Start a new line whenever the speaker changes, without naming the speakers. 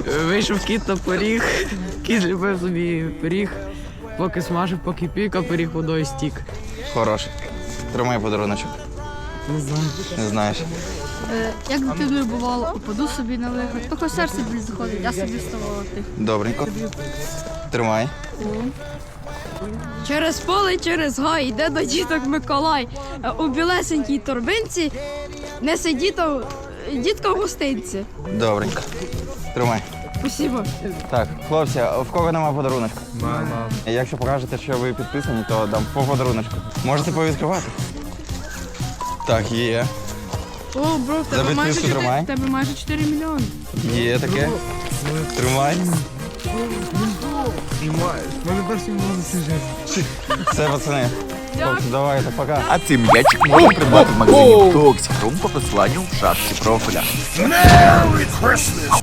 Вийшов кіт на поріг, кіт любив собі пиріг, поки смажив, поки пік, а пиріг водою стік.
Хороший. Тримай подаруночок.
Не знаю.
Не знаєш.
Як дитиною бувало, упаду собі на лихо, тільки серце біль заходить, я собі вставала тихо.
Добренько. Тримай.
Через поле, через гай, йде до діток Миколай. У білесенькій торбинці несе дітка в гостинці.
Добренько. Тримай.
Спасибо.
Так, хлопці, а в кого нема подаруночка?
Мама.
Якщо покажете, що ви підписані, то дам по подаруночку. Можете повідкривати? Так, є.
О, бро, в
За підписку тримай.
в тебе майже 4 мільйони.
Є таке. Тримай.
Мене перший можна
Все, пацани. Хлопці, давайте, пока.
А цей м'ячик можна придбати в магазині Toxic Room по посиланню в шапці профіля.